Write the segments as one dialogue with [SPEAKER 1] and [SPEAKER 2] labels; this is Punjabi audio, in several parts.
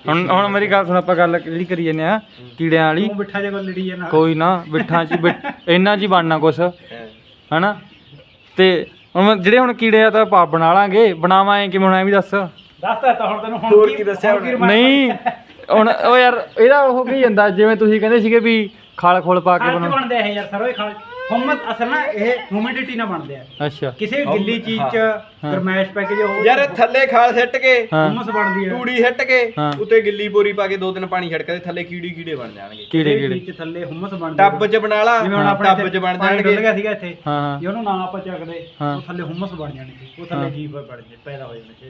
[SPEAKER 1] ਹੁਣ ਮੇਰੀ ਗੱਲ ਸੁਣ, ਆਪਾਂ ਗੱਲ ਜਿਹੜੀ ਕਰੀ ਜਾਂਦੇ ਆ ਕੀੜਿਆਂ ਵਾਲੀ,
[SPEAKER 2] ਬਿੱਠਾ ਜੇ ਕੋਲ ਲੜੀ ਜਾਣਾ
[SPEAKER 1] ਕੋਈ ਨਾ ਬਿੱਠਾਂ 'ਚ ਇਹਨਾਂ 'ਚ ਹੀ ਬਣਨਾ ਕੁਛ ਹਨਾ। ਤੇ ਹੁਣ ਜਿਹੜੇ ਹੁਣ ਕੀੜੇ ਆ ਤਾਂ ਆਪਾਂ ਬਣਾ ਲਾਂਗੇ, ਬਣਾਵਾਂ ਐ ਕਿਵੇਂ, ਹੁਣ ਐ ਵੀ ਦੱਸ
[SPEAKER 2] ਦੱਸਦਾ ਤਾਂ ਹੁਣ ਤੈਨੂੰ
[SPEAKER 3] ਹੋਰ ਕੀ ਦੱਸਿਆ
[SPEAKER 1] ਨਹੀਂ ਹੁਣ ਉਹ ਯਾਰ ਇਹਦਾ ਉਹ ਕੀ ਜਾਂਦਾ, ਜਿਵੇਂ ਤੁਸੀਂ ਕਹਿੰਦੇ ਸੀਗੇ ਵੀ ਖਾਲ ਖੋਲ ਪਾ ਕੇ
[SPEAKER 2] ਖਾਲ ਬਣਦੇ ਆ ਯਾਰ ਸਰੋਂ ਖਾਲ ਹੁਮਤ ਅਸਲ ਨਾ ਇਹ ਹਿਊਮਿਡਿਟੀ ਨਾਲ ਬਣਦੇ ਆ।
[SPEAKER 1] ਅੱਛਾ
[SPEAKER 2] ਕਿਸੇ ਗਿੱਲੀ ਚੀਜ਼ 'ਚ ਗਰਮੈਸ਼ ਪੈ ਕੇ ਜੋ
[SPEAKER 3] ਯਾਰ ਥੱਲੇ ਖਾਲ ਸਿੱਟ ਕੇ
[SPEAKER 2] ਹੁਮਸ ਬਣਦੀ ਆ,
[SPEAKER 3] ਟੂੜੀ ਸਿੱਟ ਕੇ ਉੱਤੇ ਗਿੱਲੀ ਬੋਰੀ ਪਾ ਕੇ 2 ਦਿਨ ਪਾਣੀ ਛਿੜਕਦੇ ਥੱਲੇ ਕੀੜੇ ਬਣ ਜਾਣਗੇ।
[SPEAKER 1] ਕੀੜੇ
[SPEAKER 2] ਚ ਥੱਲੇ ਹੁਮਸ ਬਣਦੀ
[SPEAKER 3] ਟੱਬ 'ਚ ਬਣਾ ਲਾ,
[SPEAKER 2] ਜਿਵੇਂ ਹੁਣ ਆਪਣੇ
[SPEAKER 3] ਟੱਬ 'ਚ ਬਣ
[SPEAKER 2] ਪਾਣੀ
[SPEAKER 3] ਜਾਣਗੇ।
[SPEAKER 2] ਡੁੱਲ ਗਿਆ ਸੀਗਾ ਇੱਥੇ,
[SPEAKER 1] ਹਾਂ
[SPEAKER 2] ਜੇ ਉਹਨੂੰ ਨਾ ਆਪਾਂ ਚੱਕਦੇ ਉਹ ਥੱਲੇ ਹੁਮਸ ਬਣ ਜਾਣੀ, ਉਹ ਥੱਲੇ ਜੀਵ ਬਣ ਜੇ ਪੈਦਾ ਹੋ ਜਾਣੇ।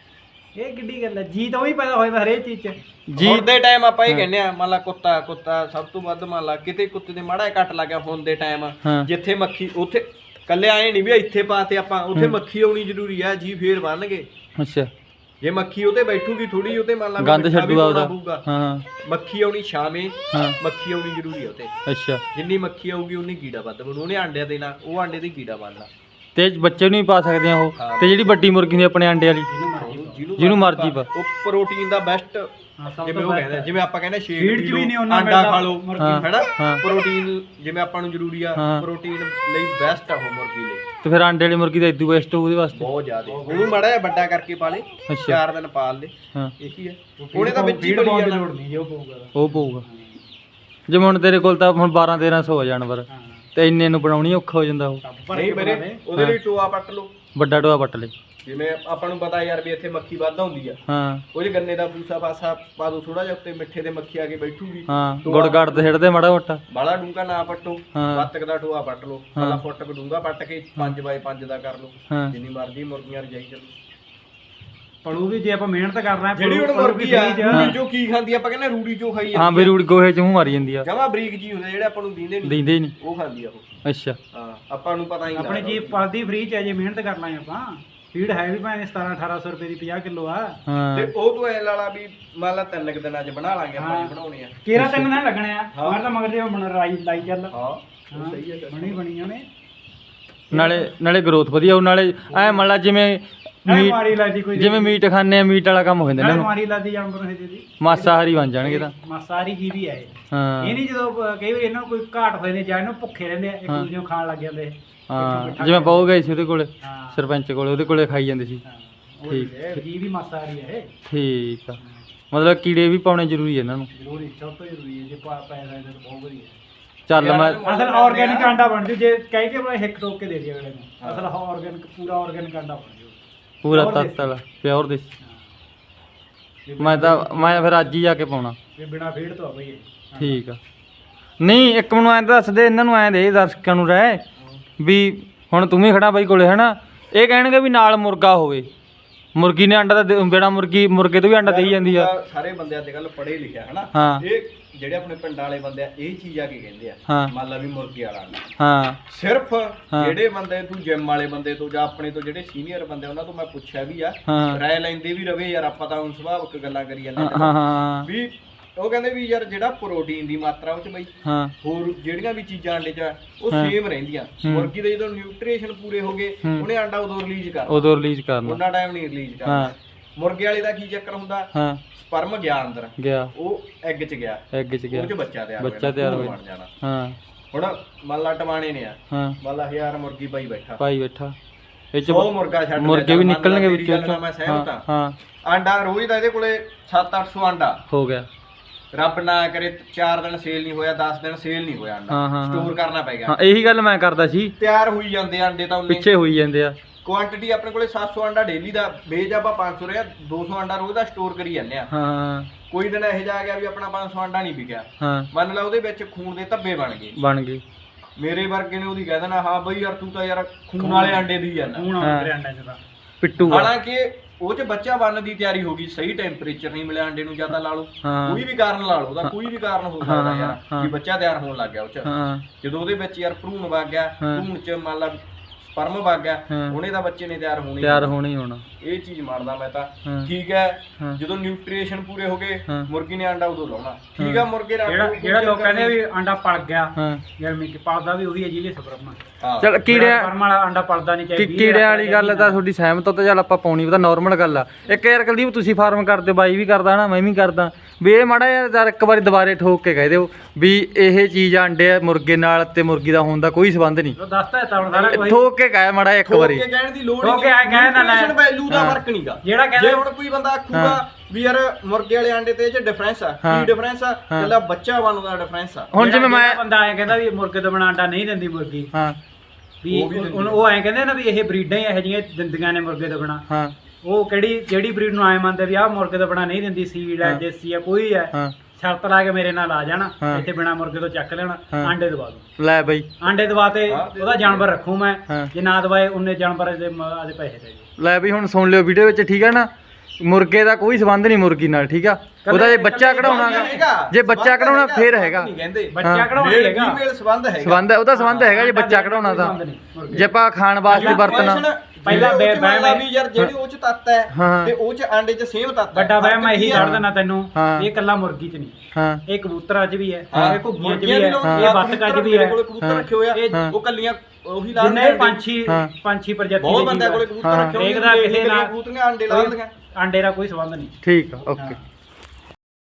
[SPEAKER 2] ਇਹ ਕਿੱਡੀ ਗੱਲ ਹੈ, ਜੀ ਤਾਂ ਉਹੀ ਪੈਦਾ ਹੋਇਆ ਹਰੇਕ ਚੀਜ਼ 'ਚ।
[SPEAKER 3] ਹੁਣ ਦੇ ਟਾਈਮ ਆਪਾਂ ਇਹ ਕਹਿੰਦੇ ਆ, ਮੰਨ ਲਾ ਕੁੱਤਾ ਸਭ ਤੋਂ ਵੱਧ, ਮੰਨ ਲਾ ਕਿਤੇ ਕੁੱਤੇ ਦੇ ਮਾੜਾ ਜਿਹਾ ਕੱਟ ਲੱਗ ਗਿਆ, ਹੁਣ ਦੇ ਟਾਈਮ ਜਿੱਥੇ ਮੱਖੀ ਉੱਥੇ ਕੱਲੇ ਆਏ ਨਹੀਂ ਵੀ ਇੱਥੇ ਪਾਤੇ ਆਪਾਂ, ਉੱਥੇ ਮੱਖੀ ਆਉਣੀ ਜ਼ਰੂਰੀ ਆ, ਜੀ ਫੇਰ ਬਣਨਗੇ।
[SPEAKER 1] ਅੱਛਾ
[SPEAKER 3] ਜੇ ਮੱਖੀ ਉਹਤੇ ਬੈਠੂਗੀ ਥੋੜੀ, ਉਹਤੇ ਮੰਨ ਲਾ
[SPEAKER 1] ਗੰਦ ਛੱਡੂਗਾ ਉਹਦਾ। ਹਾਂ
[SPEAKER 3] ਮੱਖੀ ਆਉਣੀ ਛਾਵੇਂ, ਮੱਖੀ ਆਉਣੀ ਜ਼ਰੂਰੀ ਆ ਉੱਤੇ।
[SPEAKER 1] ਅੱਛਾ
[SPEAKER 3] ਜਿੰਨੀ ਮੱਖੀ ਆਊਗੀ ਉਨੀ ਕੀੜਾ ਵੱਧ ਬਣੂ, ਉਹਨੇ ਆਂਡਿਆਂ ਦੇਣਾ, ਉਹ ਆਂਡੇ ਦੀ ਕੀੜਾ ਬਣਨਾ।
[SPEAKER 1] ਤੇ ਬੱਚੇ ਨੂੰ ਵੀ ਪਾ ਸਕਦੇ ਆ ਉਹ, ਤੇ ਜਿਹੜੀ ਵੱਡੀ ਮੁਰਗੀ ਹੁੰਦੀ ਆਪਣੇ ਅੰਡੇ ਵਾਲੀ ਜਿਹਨੂੰ ਮਰਜੀ ਪਾ,
[SPEAKER 3] ਉਹ ਪ੍ਰੋਟੀਨ ਦਾ ਬੈਸਟ, ਜਿਵੇਂ ਉਹ ਕਹਿੰਦੇ, ਜਿਵੇਂ ਆਪਾਂ ਕਹਿੰਦੇ ਸ਼ੇਕ
[SPEAKER 2] ਫੀਡ 'ਚ ਵੀ ਨਹੀਂ ਉਹਨਾਂ
[SPEAKER 3] ਆਂਡਾ ਖਾ ਲਓ
[SPEAKER 2] ਹੈਨਾ,
[SPEAKER 3] ਪ੍ਰੋਟੀਨ ਜਿਵੇਂ ਆਪਾਂ ਨੂੰ ਜ਼ਰੂਰੀ ਆ, ਪ੍ਰੋਟੀਨ ਲਈ ਬੈਸਟ ਆ ਉਹ ਮੁਰਗੀ ਲਈ।
[SPEAKER 1] ਤੇ ਫਿਰ ਅੰਡੇ ਵਾਲੀ ਮੁਰਗੀ ਦਾ ਇਦੂ ਬੈਸਟ ਉਹਦੇ ਵਾਸਤੇ
[SPEAKER 3] ਬਹੁਤ ਜ਼ਿਆਦਾ। ਉਹਨੂੰ ਮਾੜਾ ਜਿਹਾ ਵੱਡਾ ਕਰਕੇ ਪਾ ਲੇ, 4 ਦਿਨ ਪਾਲ ਲੇ, ਇਹੀ ਹੈ। ਉਹਨੇ ਤਾਂ ਵਿੱਚ ਹੀ ਬਣੀ ਜਾਣਾ,
[SPEAKER 1] ਉਹ ਪਊਗਾ। ਜਿਵੇਂ ਹੁਣ ਤੇਰੇ ਕੋਲ ਤਾਂ ਹੁਣ 1200-1300 ਆ ਜਾਨਵਰ, ਤੇ ਇੰਨੇ ਨੂੰ ਬਣਾਉਣੀ ਔਖਾ ਹੋ ਜਾਂਦਾ ਉਹ।
[SPEAKER 3] ਨਹੀਂ ਮੇਰੇ ਉਹਦੇ ਲਈ ਟੋਆ ਪੱਟ ਲਓ,
[SPEAKER 1] ਵੱਡਾ ਟੋਆ ਪੱਟ ਲੈ।
[SPEAKER 3] ਜਿਵੇਂ ਆਪਾਂ ਨੂੰ ਪਤਾ ਯਾਰ ਵੀ ਇੱਥੇ ਮੱਖੀ ਵੱਧ ਹੁੰਦੀ ਆ,
[SPEAKER 1] ਹਾਂ
[SPEAKER 3] ਉਹਦੇ ਗੰਨੇ ਦਾ ਪੂਸਾ ਪਾਸਾ ਪਾ ਦੋ ਥੋੜਾ ਜਿਹਾ ਉੱਤੇ, ਮਿੱਠੇ ਦੇ ਮੱਖੀ ਆ ਕੇ ਬੈਠੂਗੀ।
[SPEAKER 1] ਹਾਂ ਗੁੜ ਗੜ ਤੇ ਛੱਡਦੇ ਮਾੜਾ ਮੋਟਾ,
[SPEAKER 3] ਬਾਲਾ ਡੂੰਘਾ ਨਾ ਪੱਟੋ, ਵੱਤਕ ਦਾ ਟੋਆ ਪੱਟ ਲਓ, ਪਹਿਲਾਂ ਫੁੱਟ ਕ ਡੂੰਘਾ ਪੱਟ ਕੇ 5x5 ਦਾ ਕਰ ਲਓ, ਜਿੰਨੀ ਮਰਜ਼ੀ ਮੁਰਗੀਆਂ ਰਜਾਈ ਚੱਲੋ।
[SPEAKER 2] ਪਰ ਉਹ ਵੀ ਜੇ ਆਪਾਂ ਮਿਹਨਤ ਕਰਨਾ ਹੈ,
[SPEAKER 3] ਜਿਹੜੀ ਹੁਣ ਮੁਰਗੀ ਆ ਰੂੜੀ ਜੋ ਕੀ ਖਾਂਦੀ, ਆਪਾਂ ਕਹਿੰਦੇ ਰੂੜੀ ਜੋ ਖਾਈ
[SPEAKER 1] ਹਾਂ ਵੀ ਰੂੜੀ ਗੋਹੇ ਚ ਮੂੰਹ ਮਾਰੀ ਜਾਂਦੀ ਆ,
[SPEAKER 3] ਜਮਾ ਬਰੀਕ ਜੀ ਹੁੰਦੇ ਜਿਹੜੇ ਆਪਾਂ ਨੂੰ ਦਿੰਦੇ
[SPEAKER 1] ਨਹੀਂ
[SPEAKER 3] ਉਹ ਖਾਂਦੀ ਆ ਉਹ।
[SPEAKER 1] ਅੱਛਾ
[SPEAKER 3] ਹਾਂ ਆਪਾਂ ਨੂੰ ਪਤਾ ਹੀ ਨਹੀਂ,
[SPEAKER 2] ਆਪਣੀ ਜੀ ਪਲਦੀ ਫ੍ਰੀ ਚ ਹੈ, ਜੇ ਮਿਹਨਤ ਕਰਨਾ ਹੈ ਆਪਾਂ। ਫੀਡ ਹੈ ਵੀ ਭਾਵੇਂ 1700-1800 ਰੁਪਏ ਦੀ 50 ਕਿਲੋ ਆ,
[SPEAKER 3] ਤੇ ਉਹ ਤੋਂ ਐ ਲਾਲਾ ਵੀ ਮੰਨ ਲਾ 3 ਦਿਨਾਂ ਚ ਬਣਾ ਲਾਂਗੇ ਆਪਾਂ, ਬਣਾਉਣੇ ਆ
[SPEAKER 2] ਕੇਰਾ 3 ਦਿਨ ਲੱਗਣੇ ਆ, ਮਾਰ ਤਾਂ ਮਗਰ ਜੇ ਬਣ ਲਾਈ ਚੱਲ।
[SPEAKER 3] ਹਾਂ ਸਹੀ ਹੈ,
[SPEAKER 2] ਬਣੀ ਉਹਨੇ,
[SPEAKER 1] ਨਾਲੇ ਗਰੋਥ ਵਧੀਆ, ਉਹ ਨਾਲੇ ਐ ਮੰਨ ਲਾ ਜਿਵੇਂ
[SPEAKER 2] ਮਾਰੀ ਲਾਦੀ ਕੋਈ,
[SPEAKER 1] ਜਿਵੇਂ ਮੀਟ ਖਾਂਦੇ ਆ, ਮੀਟ ਵਾਲਾ ਕੰਮ ਹੋ ਜਾਂਦਾ ਇਹਨਾਂ ਨੂੰ,
[SPEAKER 2] ਮਾਰੀ ਲਾਦੀ ਜਾਨਵਰ ਹੈ ਜੀ,
[SPEAKER 1] ਮਾਸਾਹਾਰੀ ਬਣ ਜਾਣਗੇ ਤਾਂ।
[SPEAKER 2] ਮਾਸਾਹਾਰੀ ਜੀਵ ਹੀ ਹੈ ਇਹ।
[SPEAKER 1] ਹਾਂ
[SPEAKER 2] ਇਹ ਨਹੀਂ ਜਦੋਂ ਕਈ ਵਾਰ ਇਹਨਾਂ ਨੂੰ ਕੋਈ ਘਾਟ ਹੋਏ ਨੇ ਜਾਂ ਇਹਨੂੰ ਭੁੱਖੇ ਰਹਿੰਦੇ ਆ, ਇੱਕ ਦੂਜੇ ਨੂੰ ਖਾਣ ਲੱਗ ਜਾਂਦੇ।
[SPEAKER 1] ਹਾਂ ਜਿਵੇਂ ਪਾਉ ਗਏ ਸੀ ਉਹਦੇ ਕੋਲੇ, ਸਰਪੰਚ ਕੋਲੇ, ਉਹਦੇ ਕੋਲੇ ਖਾਈ ਜਾਂਦੇ ਸੀ।
[SPEAKER 2] ਠੀਕ ਹੈ, ਜੀਵ ਵੀ ਮਾਸਾਹਾਰੀ ਹੈ ਇਹ।
[SPEAKER 1] ਠੀਕ ਆ, ਮਤਲਬ ਕੀੜੇ ਵੀ ਪਾਉਣੇ ਜ਼ਰੂਰੀ ਇਹਨਾਂ ਨੂੰ।
[SPEAKER 2] ਜ਼ਰੂਰੀ, ਸਭ ਤੋਂ ਜ਼ਰੂਰੀ ਹੈ, ਜੇ ਪੈਸਾ ਇਹਦਾ ਬਹੁਤ ਵਧੀਆ।
[SPEAKER 1] ਚੱਲ ਮੈਂ
[SPEAKER 2] ਅਸਲ ਆਰਗੈਨਿਕ ਆਂਡਾ ਬਣ ਜੂ, ਜੇ ਕਹਿ ਕੇ ਮੈਂ ਹਿੱਕ ਟੋਕ ਕੇ ਦੇ ਦਿਆ ਅਗਲੇ ਨੂੰ, ਅਸਲ ਆਰਗੈਨਿਕ ਪੂਰਾ ਆਰਗੈਨਿਕ ਆਂਡਾ ਬਣ ਜੂ,
[SPEAKER 1] ਪੂਰਾ ਤੱਤ ਵਾਲਾ ਪਿਓਰ ਦੇਸੀ। ਮੈਂ ਫਿਰ ਅੱਜ ਹੀ ਜਾ ਕੇ ਪਾਉਣਾ,
[SPEAKER 2] ਇਹ ਬਿਨਾ ਫੀਡ ਤੋਂ ਆ ਬਈ ਇਹ।
[SPEAKER 1] ਠੀਕ ਆ। ਨਹੀਂ ਇੱਕ ਮੈਨੂੰ ਐਂ ਦੱਸ ਦੇ, ਇਹਨਾਂ ਨੂੰ ਐਂ ਦੇ ਦਰਸ਼ਕਾਂ ਨੂੰ ਰਹਿ ਵੀ ਹੁਣ ਤੂੰ ਵੀ ਖੜਾ ਬਾਈ ਕੋਲੇ ਹਨਾ, ਇਹ ਕਹਿਣਗੇ ਵੀ ਨਾਲ ਮੁਰਗਾ ਹੋਵੇ, ਮੁਰਗੀ ਨੇ ਆਂਡਾ ਤਾਂ ਬੇੜਾ ਮੁਰਗੇ ਤੋਂ ਵੀ ਆਂਡਾ ਦੇਈ ਜਾਂਦੀ ਆ।
[SPEAKER 3] ਸਾਰੇ ਬੰਦੇ ਅੱਜ ਕੱਲ ਪੜ੍ਹੇ ਲਿਖਿਆ ਹਨਾ,
[SPEAKER 1] ਹਾਂ
[SPEAKER 3] ਇਹ ਜਿਹੜੇ ਆਪਣੇ ਪਿੰਡਾਂ ਵਾਲੇ ਬੰਦੇ ਆ ਇਹ ਚੀਜ਼ ਆ ਕੇ ਕਹਿੰਦੇ ਆ,
[SPEAKER 1] ਹਾਂ
[SPEAKER 3] ਮੰਨ ਲਾ ਵੀ ਮੁਰਗੇ ਵਾਲਾ ਆਂਡਾ।
[SPEAKER 1] ਹਾਂ
[SPEAKER 3] ਸਿਰਫ ਜਿਹੜੇ ਬੰਦੇ ਤੂੰ ਜਿਮ ਵਾਲੇ ਬੰਦੇ ਤੋਂ ਜਾਂ ਆਪਣੇ ਤੋਂ ਜਿਹੜੇ ਸੀਨੀਅਰ ਬੰਦੇ ਉਹਨਾਂ ਤੋਂ ਮੈਂ ਪੁੱਛਿਆ ਵੀ ਆ, ਰਾਏ ਲੈਂਦੇ ਵੀ ਰਵੇ ਯਾਰ, ਆਪਾਂ ਤਾਂ ਹੁਣ ਸੁਭਾਵਿਕ ਗੱਲਾਂ ਕਰੀ ਜਾਂਦੇ
[SPEAKER 1] ਹਾਂ
[SPEAKER 3] ਵੀ ਉਹ ਕਹਿੰਦੇ ਵੀ ਯਾਰ ਜਿਹੜਾ ਪ੍ਰੋਟੀਨ ਦੀ ਮਾਤਰਾ ਉਹ ਚ ਬਈ
[SPEAKER 1] ਹਾਂ
[SPEAKER 3] ਹੋਰ ਜਿਹੜੀਆਂ ਵੀ ਚੀਜ਼ਾਂ ਆਂਡੇ ਚ ਆ ਉਹ ਸੇਮ ਰਹਿੰਦੀਆਂ। ਮੁਰਗੀ ਦੇ ਜਦੋਂ ਨਿਊਟ੍ਰੀਸ਼ਨ ਪੂਰੇ ਹੋ ਗਏ ਉਹਨੇ ਆਂਡਾ ਉਦੋਂ ਰਿਲੀਜ਼ ਕਰਨਾ,
[SPEAKER 1] ਉਦੋਂ ਰਿਲੀਜ਼ ਕਰਨਾ,
[SPEAKER 3] ਉਹਨਾਂ ਟਾਈਮ ਨਹੀਂ ਰਿਲੀਜ਼ ਕਰਨਾ। ਮੁਰਗੇ ਵਾਲੇ ਦਾ ਕੀ ਚੱਕਰ ਹੁੰਦਾ,
[SPEAKER 1] ਹਾਂ
[SPEAKER 3] ਸਪਰਮ ਗਿਆ ਅੰਦਰ,
[SPEAKER 1] ਗਿਆ
[SPEAKER 3] ਉਹ ਐਗ ਚ ਗਿਆ,
[SPEAKER 1] ਐਗ ਚ ਗਿਆ,
[SPEAKER 3] ਉਹ ਚ ਬੱਚਾ ਤਿਆਰ
[SPEAKER 1] ਹੋ
[SPEAKER 3] ਬਣ ਜਾਣਾ।
[SPEAKER 1] ਹਾਂ
[SPEAKER 3] ਹੁਣ ਮੰਨ ਲਾ ਟਵਾਣੇ ਨੇ ਆ,
[SPEAKER 1] ਹਾਂ
[SPEAKER 3] ਮੰਨ ਲਾ 1000 ਮੁਰਗੀ ਪਾਈ ਬੈਠਾ,
[SPEAKER 1] ਇਹ ਚ
[SPEAKER 3] 100 ਮੁਰਗਾ ਛੱਡ
[SPEAKER 1] ਮੁਰਗੇ ਵੀ ਨਿਕਲਣਗੇ ਵਿੱਚੋਂ।
[SPEAKER 3] ਮੈਂ ਸਹਿਮਤ ਹਾਂ।
[SPEAKER 1] ਹਾਂ
[SPEAKER 3] ਆਂਡਾ ਰੋਜ਼ ਦਾ ਇਹਦੇ ਕੋਲੇ 700-800 ਆਂਡਾ
[SPEAKER 1] ਹੋ ਗਿਆ,
[SPEAKER 3] ਰੱਬ ਨਾ ਕਰੇ 4 ਦਿਨ ਸੇਲ ਨਹੀਂ ਹੋਇਆ, 10 ਦਿਨ ਸੇਲ ਨਹੀਂ ਹੋਇਆ ਆਂਡਾ, ਸਟੋਰ ਕਰਨਾ ਪੈ ਗਿਆ।
[SPEAKER 1] ਹਾਂ ਇਹੀ ਗੱਲ ਮੈਂ ਕਰਦਾ ਸੀ,
[SPEAKER 3] ਤਿਆਰ ਹੋਈ ਜਾਂਦੇ ਆਂਡੇ ਤਾਂ ਉਹਨੇ
[SPEAKER 1] ਪਿੱਛੇ ਹੋਈ ਜਾਂਦੇ ਆ।
[SPEAKER 3] ਕੁਆਂਟੀਟੀ ਆਪਣੇ ਕੋਲੇ 700 ਆਂਡਾ ਡੇਲੀ ਦਾ, ਵੇਚ ਆਪਾਂ 500 ਰਿਹਾ, 200 ਆਂਡਾ ਰੋਜ਼ ਦਾ ਸਟੋਰ ਕਰੀ ਜਾਂਦੇ ਆ।
[SPEAKER 1] ਹਾਂ
[SPEAKER 3] ਕੋਈ ਦਿਨ ਇਹੋ ਜਿਹਾ ਆ ਗਿਆ ਵੀ ਆਪਣਾ 500 ਆਂਡਾ ਨਹੀਂ ਵਿਕਿਆ,
[SPEAKER 1] ਹਾਂ
[SPEAKER 3] ਮੰਨ ਲਾ ਉਹਦੇ ਵਿੱਚ ਖੂਨ ਦੇ ਧੱਬੇ ਬਣ ਗਏ, ਮੇਰੇ ਵਰਗੇ ਨੇ ਉਹਦੀ ਕਹਿ ਦੇਣਾ ਹਾਂ ਬਈ ਯਾਰ ਤੂੰ ਤਾਂ ਯਾਰ ਖੂਨ ਵਾਲੇ ਆਂਡੇ ਦੀ ਜਾਂਦਾ,
[SPEAKER 1] ਪਿੱਟੂ।
[SPEAKER 3] ਹਾਲਾਂਕਿ ਉਹ ਚ ਬੱਚਾ ਬਣਨ ਦੀ ਤਿਆਰੀ ਹੋ ਗਈ, ਸਹੀ ਟੈਂਪਰੇਚਰ ਨਹੀਂ ਮਿਲਿਆ ਆਂਡੇ ਨੂੰ, ਜ਼ਿਆਦਾ ਲਾ ਲਓ, ਕੋਈ ਵੀ ਕਾਰਨ ਲਾ ਲਓ, ਉਹਦਾ ਕੋਈ ਵੀ ਕਾਰਨ ਹੋ ਸਕਦਾ ਯਾਰ ਵੀ ਬੱਚਾ ਤਿਆਰ ਹੋਣ ਲੱਗ ਗਿਆ ਉਹ ਚ। ਜਦੋਂ ਉਹਦੇ ਵਿੱਚ ਯਾਰ ਭਰੂਣ ਵਗ ਗਿਆ, ਭਰੂਣ ਚ ਮੰਨ ਲਾ ਪਰਮ ਵਗ ਗਿਆ
[SPEAKER 1] ਹਾਂ।
[SPEAKER 3] ਉਹਨੇ ਤਾਂ ਬੱਚੇ ਨੇ ਤਿਆਰ ਹੋਣੇ
[SPEAKER 1] ਤਿਆਰ ਹੋਣਾ ਹੀ ਹੋਣਾ।
[SPEAKER 3] ਇਹ ਚੀਜ਼ ਮੰਨਦਾ ਮੈਂ ਤਾਂ
[SPEAKER 1] ਹਾਂ।
[SPEAKER 3] ਠੀਕ ਹੈ
[SPEAKER 1] ਹਾਂ।
[SPEAKER 3] ਜਦੋਂ ਨਿਊਟ੍ਰੀਸ਼ਨ ਪੂਰੇ ਹੋ ਗਏ
[SPEAKER 1] ਹਾਂ।
[SPEAKER 3] ਮੁਰਗੀ ਨੇ ਆਂਡਾ ਉਦੋਂ ਲਾਉਣਾ ਠੀਕ ਆ ਮੁਰਗੇ ਦਾ
[SPEAKER 2] ਜਿਹੜਾ ਲੋਕ ਕਹਿੰਦੇ ਵੀ ਆਂਡਾ ਪਲ ਗਿਆ
[SPEAKER 1] ਹਾਂ
[SPEAKER 2] ਗਰਮੀ ਚ ਪਲਦਾ ਵੀ ਉਹੀ ਹੈ ਜਿਹਦੇ ਸਬਰਮਾ
[SPEAKER 3] ਹਾਂ।
[SPEAKER 1] ਚਲ ਕੀੜਿਆਂ
[SPEAKER 2] ਪਰਮ ਵਾਲਾ ਆਂਡਾ ਪਲਦਾ ਨਹੀਂ ਚਾਹੀਦਾ
[SPEAKER 1] ਕੀੜਿਆਂ ਵਾਲੀ ਗੱਲ ਤਾਂ ਤੁਹਾਡੀ ਸਹਿਮਤ ਹੋ ਤਾਂ ਚੱਲ ਆਪਾਂ ਪਾਉਣੀ ਪਤਾ ਨਾਰਮਲ ਗੱਲ ਆ। ਇੱਕ ਯਾਰ ਕੁਲਦੀਪ ਤੁਸੀਂ ਫਾਰਮ ਕਰਦੇ ਬਾਈ ਵੀ ਕਰਦਾ ਨਾ ਮੈਂ ਵੀ ਕਰਦਾ ਵੀ ਇਹ ਮਾੜਾ ਯਾਰ ਇੱਕ ਵਾਰੀ ਦੁਬਾਰੇ ਠੋਕ ਕੇ ਕਹਿ ਦਿਓ ਵੀ ਇਹ ਚੀਜ਼ ਆਂਡੇ ਮੁਰਗੇ ਨਾਲ ਤੇ ਮੁਰਗੀ ਦਾ ਹੋਣ ਦਾ ਕੋਈ ਸੰਬੰਧ ਨਹੀਂ।
[SPEAKER 2] ਉਹ ਦੱਸਦਾ ਤਾਂ ਹੁਣ ਸਾਰਾ ਕੋਈ
[SPEAKER 1] ਠੋਕ ਕੇ ਕਹਿ ਮਾੜਾ ਇੱਕ ਵਾਰੀ।
[SPEAKER 3] ਠੋਕ ਕੇ ਕਹਿਣ ਦੀ ਲੋੜ
[SPEAKER 2] ਠੋਕ ਕੇ ਐਂ ਕਹਿ ਨਾ ਲੈ।
[SPEAKER 3] ਵੈਲਿਊ ਦਾ ਫਰਕ ਨਹੀਂਗਾ
[SPEAKER 2] ਜਿਹੜਾ ਕਹਿੰਦਾ
[SPEAKER 3] ਜੇ ਹੁਣ ਕੋਈ ਬੰਦਾ ਆਖੂਗਾ ਵੀ ਯਾਰ ਮੁਰਗੇ ਵਾਲੇ ਆਂਡੇ ਤੇ ਇਹ ਚ ਡਿਫਰੈਂਸ ਆ
[SPEAKER 1] ਹਾਂ।
[SPEAKER 3] ਕੀ ਡਿਫਰੈਂਸ ਆ ਕੱਲਾ ਬੱਚਾ ਬਣਦਾ ਡਿਫਰੈਂਸ ਆ
[SPEAKER 1] ਹੁਣ ਜਿਵੇਂ ਮੈਂ
[SPEAKER 2] ਬੰਦਾ ਐਂ ਕਹਿੰਦਾ ਵੀ ਮੁਰਗੇ ਤੋਂ ਬਣਾ ਆਂਡਾ ਨਹੀਂ ਦਿੰਦੀ ਮੁਰਗੀ
[SPEAKER 1] ਹਾਂ
[SPEAKER 2] ਵੀ ਉਹ ਐਂ ਕਹਿੰਦੇ ਨਾ ਵੀ ਇਹ ਬਰੀਡਾਂ ਹੀ ਇਹੋ ਜਿਹੀਆਂ ਦਿੰਦੀਆਂ ਨੇ ਮੁਰਗੇ ਤੋਂ ਬਣਾ।
[SPEAKER 1] ਹਾਂ
[SPEAKER 2] ਉਹ ਜਿਹੜੀ ਬਰੀਡ ਨੂੰ ਐਂ ਮੰਨਦੇ ਵੀ ਆਹ ਮੁਰਗੇ ਤੋਂ ਬਣਾ ਨਹੀਂ ਦਿੰਦੀ ਸੀਡ ਹੈ ਦੇਸੀ ਆ ਕੋਈ ਹੈ
[SPEAKER 1] ਹਾਂ
[SPEAKER 2] ਸ਼ਰਤ ਲਾ ਕੇ ਮੇਰੇ ਨਾਲ ਆ ਜਾਣਾ
[SPEAKER 1] ਹਾਂ।
[SPEAKER 2] ਇੱਥੇ ਬਿਨਾ ਮੁਰਗੇ ਤੋਂ ਚੱਕ ਲੈਣਾ
[SPEAKER 1] ਹਾਂ।
[SPEAKER 2] ਆਂਡੇ ਦਵਾ ਦੂੰ
[SPEAKER 1] ਲੈ ਬਈ
[SPEAKER 2] ਆਂਡੇ ਦਵਾ ਤੇ ਉਹਦਾ ਜਾਨਵਰ ਰੱਖੂ ਮੈਂ
[SPEAKER 1] ਹਾਂ।
[SPEAKER 2] ਜੇ ਨਾ ਦਵਾਏ ਉਹਨੇ ਜਾਨਵਰ ਦੇ ਆਦੇ ਪੈਸੇ ਦੇ ਦਿਓ।
[SPEAKER 1] ਲੈ ਬਈ ਹੁਣ ਸੁਣ ਲਿਓ ਵੀਡੀਓ ਵਿੱਚ ਠੀਕ ਆ ਨਾ ਮੁਰਗੇ ਦਾ ਕੋਈ ਸੰਬੰਧ ਨਹੀਂ ਮੁਰਗੀ ਨਾਲ ਠੀਕ ਆ ਉਹਦਾ ਜੇ ਬੱਚਾ ਕਢਾਉਣਾ ਜੇ ਬੱਚਾ ਕਢਾਉਣਾ ਫੇਰ ਹੈਗਾ
[SPEAKER 3] ਨਹੀਂ ਕਹਿੰਦੇ
[SPEAKER 2] ਬੱਚਾ ਕਢਾਉਣਾ ਹੀ ਹੈਗਾ
[SPEAKER 3] ਫੀਮੇਲ ਸੰਬੰਧ ਹੈਗਾ
[SPEAKER 1] ਸੰਬੰਧ ਉਹਦਾ ਸੰਬੰਧ ਹੈਗਾ ਜੇ ਬੱਚਾ ਕਢਾਉਣਾ ਤਾਂ ਜੇ ਆਪਾਂ ਖਾਣ ਵਾਸਤੇ ਵਰਤਣਾ
[SPEAKER 2] ਪਹਿਲਾਂ
[SPEAKER 3] ਬਹਿ ਵੀ ਯਾਰ ਜਿਹੜੀ ਉਹ ਚ ਤੱਤ ਹੈ
[SPEAKER 1] ਹਾਂ।
[SPEAKER 3] ਤੇ ਉਹ ਚ ਆਂਡੇ ਚ ਸੇਮ ਤੱਤ ਹੈ
[SPEAKER 2] ਵੱਡਾ ਵਹਿਮ ਮੈਂ ਇਹੀ ਕੱਢ ਦੇਣਾ ਤੈਨੂੰ
[SPEAKER 1] ਹਾਂ।
[SPEAKER 2] ਇਹ ਕੱਲਾ ਮੁਰਗੀ ਚ ਨਹੀਂ
[SPEAKER 1] ਹਾਂ
[SPEAKER 2] ਇਹ ਕਬੂਤਰਾਂ ਚ ਵੀ ਹੈ
[SPEAKER 1] ਹਾਂ।
[SPEAKER 2] ਇਹ ਘੁੱਗੀਆਂ ਚ ਵੀ ਹੈ ਇਹ ਬੱਤਕਾਂ ਚ ਵੀ ਹੈ
[SPEAKER 3] ਕੋਲੇ ਕਬੂਤਰ ਰੱਖੇ ਹੋਏ ਆ
[SPEAKER 2] ਇਹ
[SPEAKER 3] ਉਹ ਕੱਲੀਆਂ ਉਹੀ ਲਾ
[SPEAKER 2] ਜਿੰਨੇ
[SPEAKER 3] ਦਿੰਦੇ
[SPEAKER 2] ਪੰਛੀ ਪ੍ਰਜਾਤੀ
[SPEAKER 3] ਬਹੁਤ ਬੰਦਿਆਂ ਕੋਲੇ ਕਬੂਤਰ ਰੱਖੇ ਹੋਏ
[SPEAKER 2] ਦੇਖਦਾ ਕਿਸੇ ਨਾਲ
[SPEAKER 3] ਕਬੂਤਰੀਆਂ ਆਂਡੇ ਲਾ ਦਿੰਦੀਆਂ
[SPEAKER 2] ਆਂਡੇ ਦਾ ਕੋਈ ਸੰਬੰਧ ਨਹੀਂ।
[SPEAKER 1] ਠੀਕ ਆ ਓਕੇ।